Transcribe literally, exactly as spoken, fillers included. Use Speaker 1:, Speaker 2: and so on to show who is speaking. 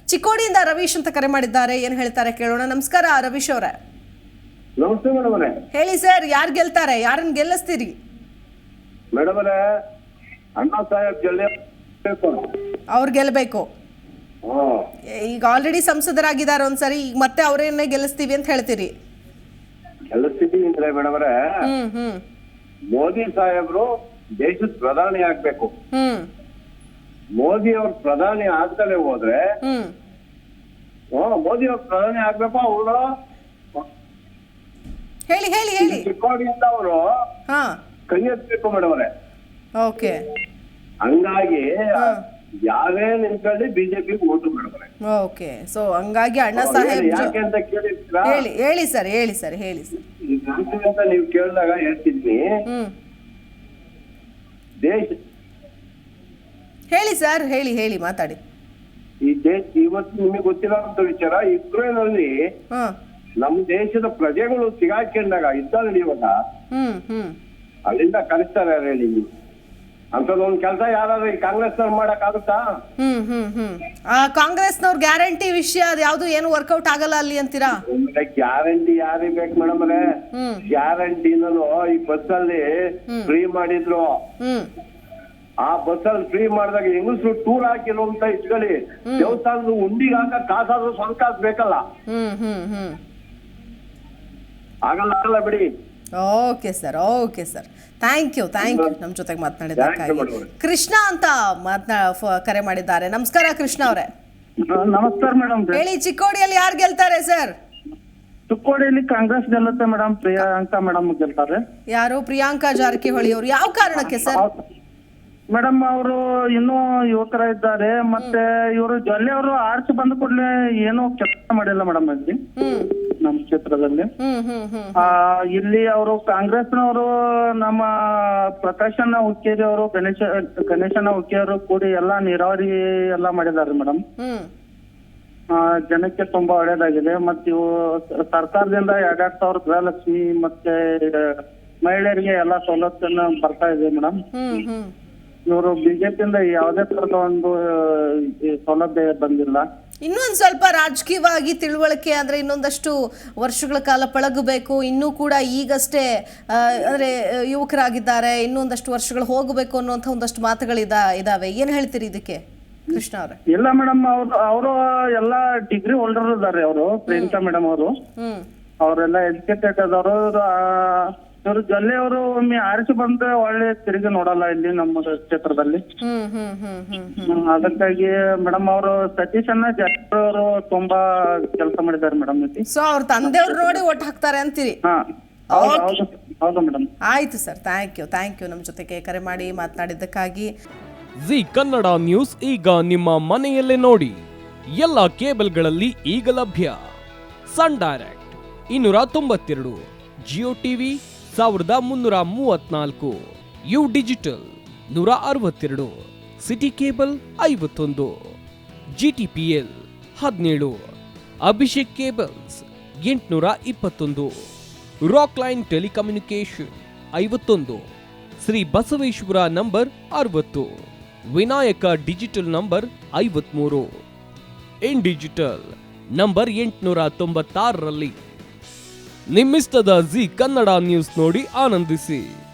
Speaker 1: ಚಿಕ್ಕೋಡಿಯಿಂದ ರವೀಶ್ ಅಂತ ಕರೆ ಮಾಡಿದ್ದಾರೆ, ಏನ್ ಹೇಳ್ತಾರೆ ಕೇಳೋಣ. ನಮಸ್ಕಾರ ರವೀಶ್ ಅವರೇ.
Speaker 2: ನಮಸ್ತೆ ಮೇಡಮ್ ಅವರೇ.
Speaker 1: ಹೇಳಿ ಸರ್, ಯಾರು ಗೆಲ್ತಾರೆ, ಯಾರನ್ನ ಗೆಲ್ಲಿಸ್ತೀರಿ?
Speaker 2: ಮೇಡಮ್ ಅವರೇ, ಅಣ್ಣಾ ಸಾಹೇಬ್ ಗೆಲ್ಲಬೇಕು.
Speaker 1: ಅವ್ರು ಗೆಲ್ಲಬೇಕು. ಈಗ ಆಲ್ರೆಡಿ ಸಂಸದರಾಗಿದ್ದಾರೆ ಒಂದ್ಸರಿ, ಈಗ ಮತ್ತೆ ಅವರೇನೇ ಗೆಲ್ಲಿಸ್ತೀವಿ ಅಂತ ಹೇಳ್ತೀರಿ?
Speaker 2: ಗೆಲ್ಲಿಸ್ತೀವಿ ಅಂದ್ರೆ ಮೇಡಮ್ ಅವರೇ,
Speaker 1: ಹ್ಮ್ ಹ್ಮ್
Speaker 2: ಮೋದಿ ಸಾಹೇಬ್ರು ದೇಶದ ಪ್ರಧಾನಿ ಆಗ್ಬೇಕು.
Speaker 1: ಹ್ಮ್
Speaker 2: ಮೋದಿ ಅವ್ರ ಪ್ರಧಾನಿ ಆಗ್ತಾನೆ ಹೋದ್ರೆ,
Speaker 1: ಹ್ಮ್
Speaker 2: ಮೋದಿ ಅವ್ರ ಪ್ರಧಾನಿ ಆಗ್ಬೇಕು. ಅವರು
Speaker 1: ಹೇಳಿ ಹೇಳಿ ಹೇಳಿ
Speaker 2: ಚಿಕ್ಕೋಡಿಯಿಂದ ಅವರು
Speaker 1: ಹಾ
Speaker 2: ಕೈ ಎತ್ತಬೇಕು ಮೇಡಮ್ ಅವರೇ.
Speaker 1: ಓಕೆ.
Speaker 2: ಹಂಗಾಗಿ ಯಾವೇ ನಿಂತ್ಕೊಳ್ಳಿ ಬಿಜೆಪಿ ಓಟು ಮೇಡಮ್ ಅವರೇ.
Speaker 1: ಓಕೆ. ಸೊ ಹಂಗಾಗಿ ಅಣ್ಣಾ ಸಾಹೇಬ್
Speaker 2: ಯಾಕೆ ಅಂತ ಕೇಳಿದ್ರ,
Speaker 1: ಹೇಳಿ ಹೇಳಿ ಸರ್ ಹೇಳಿ ಸರ್ ಹೇಳಿ ಸರ್
Speaker 2: ಯಾಕೆ ಅಂತ ನೀವು ಕೇಳಿದಾಗ ಹೇಳ್ತಿದ್ವಿ.
Speaker 1: ಹ್ಮ್
Speaker 2: ದೇಶ
Speaker 1: ಹೇಳಿ ಸರ್ ಹೇಳಿ ಹೇಳಿ ಮಾತಾಡಿ.
Speaker 2: ಈ ದೇಶ ಇವತ್ತು ನಿಮಗೆ ಗೊತ್ತಿರೋಂತ ವಿಚಾರ, ಇಸ್ರೇಲ್ ಅಲ್ಲಿ
Speaker 1: ಹಾ
Speaker 2: ನಮ್ಮ ದೇಶದ ಪ್ರಜೆಗಳು ಸಿಗಾಕೊಂಡಾಗ ಯುದ್ಧ ನಡೆಯುವಾಗ
Speaker 1: ಹ್ಮ್ ಹ್ಮ್
Speaker 2: ಅಲ್ಲಿಂದ ಕಳಿಸ್ತಾರೆ ಹೇಳಿ. ಅಂತದೊಂದು ಕೆಲಸ ಯಾರಾದ್ರೂ ಈ ಕಾಂಗ್ರೆಸ್ ನವ್ರು ಮಾಡಕ್ ಆಗುತ್ತಾ?
Speaker 1: ಹ್ಮ್ ಹ್ಮ್ ಹ್ಮ್ ಆ ಕಾಂಗ್ರೆಸ್ನವ್ರ ಗ್ಯಾರಂಟಿ ವಿಷಯ ಅದು ಯಾವ್ದು ಏನು ವರ್ಕೌಟ್ ಆಗಲ್ಲ ಅಲ್ಲಿ ಅಂತೀರಾ?
Speaker 2: ಗ್ಯಾರಂಟಿ ಯಾರಿಗೆ ಬೇಕು ಮೇಡಮ್ ಅವರೇ?
Speaker 1: ಹ್ಮ್
Speaker 2: ಗ್ಯಾರಂಟಿನೂ ಈ ಬಸ್ ಅಲ್ಲಿ ಫ್ರೀ ಮಾಡಿದ್ರು.
Speaker 1: ಹ್ಮ್
Speaker 2: ಆ ಬಸ್ ಅಲ್ಲಿ ಫ್ರೀ ಮಾಡಿದಾಗ ಹೆಂಗಸರು ಟೂರ್ ಹಾಕಿರೋ ಅಂತ ಇಟ್ಕೊಳ್ಳಿ, ದೇವಸ್ಥಾನದ ಉಂಡಿಗೆ ಹಾಕ ಕಾಸಾದ್ರೂ ಸ್ವಂತ ಕಾಸು ಬೇಕಲ್ಲ.
Speaker 1: ಹ್ಮ್ ಹ್ಮ್ ಹ್ಮ್
Speaker 2: ಆಗಲ್ಲ ಆಗಲ್ಲ ಬಿಡಿ.
Speaker 1: Okay sir okay sir thank you thank you ನಮ್ಮ ಜೊತೆಗೆ ಮಾತನಾಡಿದ್ದಕ್ಕಾಗಿ. ಕೃಷ್ಣ ಅಂತ ಮಾತನಾ ಕರೆ ಮಾಡಿದ್ದಾರೆ. ನಮಸ್ಕಾರ ಕೃಷ್ಣ ಅವರೇ.
Speaker 3: ನಮಸ್ಕಾರ ಮೇಡಮ್.
Speaker 1: ಹೇಳಿ, ಚಿಕ್ಕೋಡಿಯಲ್ಲಿ ಯಾರು ಗೆಲ್ತಾರೆ ಸರ್?
Speaker 3: ಚಿಕ್ಕೋಡಿಯಲ್ಲಿ ಕಾಂಗ್ರೆಸ್ ಗೆಲ್ಲುತ್ತೆ ಮೇಡಮ್. ಪ್ರಿಯಾಂಕಾ ಮೇಡಮ್ ಗೆಲ್ತಾರೆ.
Speaker 1: ಯಾರು? ಪ್ರಿಯಾಂಕಾ ಜಾರಕಿಹೊಳಿ ಅವರು. ಯಾವ ಕಾರಣಕ್ಕೆ ಸರ್?
Speaker 3: ಮೇಡಮ್ ಅವರು ಇನ್ನೂ ಯುವಕರ ಇದ್ದಾರೆ. ಮತ್ತೆ ಇವರು ಜೊಲ್ಲೆ ಅವರು ಆರ್ಚ್ ಬಂದ ಕೂಡಲೇ ಏನೂ ಕೆಲಸ ಮಾಡಿಲ್ಲ ಮೇಡಮ್ ಅಲ್ಲಿ ನಮ್ಮ ಕ್ಷೇತ್ರದಲ್ಲಿ. ಆ ಇಲ್ಲಿ ಅವರು ಕಾಂಗ್ರೆಸ್ನವರು ನಮ್ಮ ಪ್ರಕಾಶನ ಹುಕ್ಕೇರಿ ಅವರು, ಗಣೇಶ ಗಣೇಶನ ಹುಕ್ಕೇರಿ ಕೂಡಿ ಎಲ್ಲಾ ನೀರಾವರಿ ಎಲ್ಲಾ ಮಾಡಿದಾರೆ ಮೇಡಮ್. ಆ ಜನಕ್ಕೆ ತುಂಬಾ ಒಳ್ಳೇದಾಗಿದೆ. ಮತ್ತೆ ಇವು ಸರ್ಕಾರದಿಂದ ಎರಡೆರಡು ಸಾವಿರ ಗೃಹಲಕ್ಷ್ಮಿ ಮತ್ತೆ ಮಹಿಳೆಯರಿಗೆ ಎಲ್ಲಾ ಸವಲತ್ತನ್ನು ಬರ್ತಾ ಇದೆ ಮೇಡಮ್. ಇವರು ಬಿಜೆಪಿಯಿಂದ ಯಾವುದೇ ತರದ ಒಂದು ಸೌಲಭ್ಯ ಬಂದಿಲ್ಲ.
Speaker 1: ಇನ್ನೊಂದು ಸ್ವಲ್ಪ ರಾಜಕೀಯವಾಗಿ ತಿಳುವಳಿಕೆ ಅಂದ್ರೆ ಇನ್ನೊಂದಷ್ಟು ವರ್ಷಗಳ ಕಾಲ ಪಳಗಬೇಕು. ಇನ್ನೂ ಕೂಡ ಈಗಷ್ಟೇ ಅಂದ್ರೆ ಯುವಕರಾಗಿದ್ದಾರೆ, ಇನ್ನೊಂದಷ್ಟು ವರ್ಷಗಳು ಹೋಗಬೇಕು ಅನ್ನುವಂಥ ಒಂದಷ್ಟು ಮಾತುಗಳಿದ ಇದಾವೆ. ಏನ್ ಹೇಳ್ತೀರಿ ಇದಕ್ಕೆ ಕೃಷ್ಣ ಅವರೇ?
Speaker 3: ಇಲ್ಲ ಮೇಡಮ್, ಅವ್ರು ಅವರು ಎಲ್ಲಾ ಡಿಗ್ರಿ ಹೋಲ್ಡರ್ ಇದ್ದಾರೆ. ಅವರು ಪ್ರಿಯಾಂಕಾ ಮೇಡಮ್ ಅವರು
Speaker 1: ಹ್ಮ್
Speaker 3: ಅವರೆಲ್ಲ ಎಜುಕೇಟೆಡ್ ಆದವರು. ಇವರು ಜೊಲ್ಲೆ ಅವರು ಒಮ್ಮೆ ಆರಿಸಿ ಬಂದ್ರೆ ಒಳ್ಳೆ ತಿರುಗಿ ನೋಡಲ್ಲ ಇಲ್ಲಿ ನಮ್ಮ ಕ್ಷೇತ್ರದಲ್ಲಿ. ಅದಕ್ಕಾಗಿ ಮೇಡಮ್ ಅವರು ಸತೀಶ್ ಅಣ್ಣ ಜಾರಕಿಹೊಳಿ ಅವರು ತುಂಬಾ ಕೆಲಸ ಮಾಡಿದ್ದಾರೆ ಮೇಡಮ್.
Speaker 1: ಸೊ ಅವ್ರ ತಂದೆಯವ್ರು ನೋಡಿ ಓಟ್ ಹಾಕ್ತಾರೆ ಅಂತೀರಿ?
Speaker 3: ಹಾ ಹೌದು ಮೇಡಮ್.
Speaker 1: ಆಯ್ತು sir, thank you thank you ನಮ್ಮ ಜೊತೆಗೆ ಕರೆ ಮಾಡಿ ಮಾತನಾಡಿದ್ದಕ್ಕಾಗಿ.
Speaker 4: ಜಿ ಕನ್ನಡ ನ್ಯೂಸ್ ಈಗ ನಿಮ್ಮ ಮನೆಯಲ್ಲೇ ನೋಡಿ. ಎಲ್ಲ ಕೇಬಲ್ಗಳಲ್ಲಿ ಈಗ ಲಭ್ಯ. ಸನ್ ಡೈರೆಕ್ಟ್ ಇನ್ನೂರ ತೊಂಬತ್ತೆರಡು, ಜಿಯೋ ಟಿವಿ ಸಾವಿರದ ಮುನ್ನೂರ ಮೂವತ್ನಾಲ್ಕು, ಯು ಡಿಜಿಟಲ್ ನೂರ ಅರವತ್ತೆರಡು, ಸಿಟಿ ಕೇಬಲ್ ಐವತ್ತೊಂದು, ಜಿಟಿಪಿಎಲ್ ಹದಿನೇಳು, ಅಭಿಷೇಕ್ ಕೇಬಲ್ಸ್ ಎಂಟುನೂರ ಇಪ್ಪತ್ತೊಂದು, ರಾಕ್ ಲೈನ್ ಟೆಲಿಕಮ್ಯುನಿಕೇಶನ್ ಐವತ್ತೊಂದು, ಶ್ರೀ ಬಸವೇಶ್ವರ ನಂಬರ್ ಅರವತ್ತು, ವಿನಾಯಕ ಡಿಜಿಟಲ್ ನಂಬರ್ ಐವತ್ಮೂರು, ಇನ್ ಡಿಜಿಟಲ್ ನಂಬರ್ ಎಂಟುನೂರ ತೊಂಬತ್ತಾರರಲ್ಲಿ. ನಿಮ್ಮಿಸ್ತದ ಜಿ ಕನ್ನಡ ನ್ಯೂಸ್ ನೋಡಿ ಆನಂದಿಸಿ.